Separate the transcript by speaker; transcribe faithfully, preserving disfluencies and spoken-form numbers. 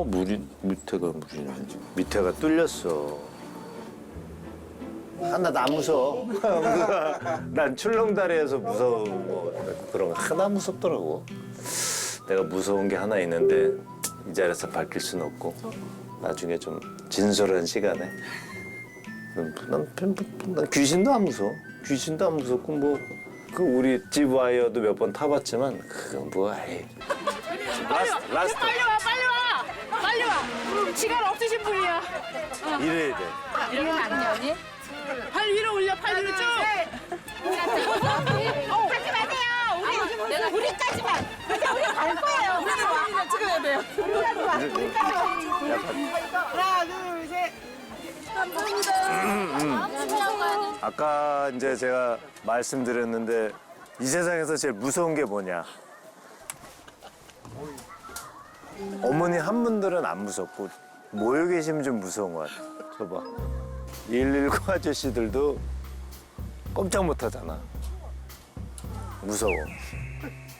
Speaker 1: 어 물이 밑에가 물이네. 밑에가 뚫렸어. 하나도 안 무서워. 난 출렁다리에서 무서운 뭐 그런 거 하나 무섭더라고. 내가 무서운 게 하나 있는데 이 자리에서 밝힐 수는 없고 나중에 좀 진솔한 시간에 난, 난, 난 귀신도 안 무서워. 귀신도 안 무섭고 뭐 그 우리 집 와이어도 몇 번 타봤지만 그건 뭐 아이. 라스트 라스트
Speaker 2: 빨리 와, 빨리 와, 빨리 와. 시간 없으신 분이야.
Speaker 1: 이래야 돼.
Speaker 2: 이러면 안 되니? 팔 위로 올려, 팔 위로 쭉. 어, 하지 마세요. 우리 내가 우리까지만. 그냥 우리 갈 거예요. 우리는 우리는 찍어야 돼요. 우리까지만. 우리까지만. 하나, 둘, 셋.
Speaker 1: 아까 이제 제가 말씀드렸는데 이 세상에서 제일 무서운 게 뭐냐? 어머니 한 분들은 안 무섭고 모여 계시면 좀 무서운 것 같아. 저봐. 일일구 아저씨들도 꼼짝 못 하잖아. 무서워.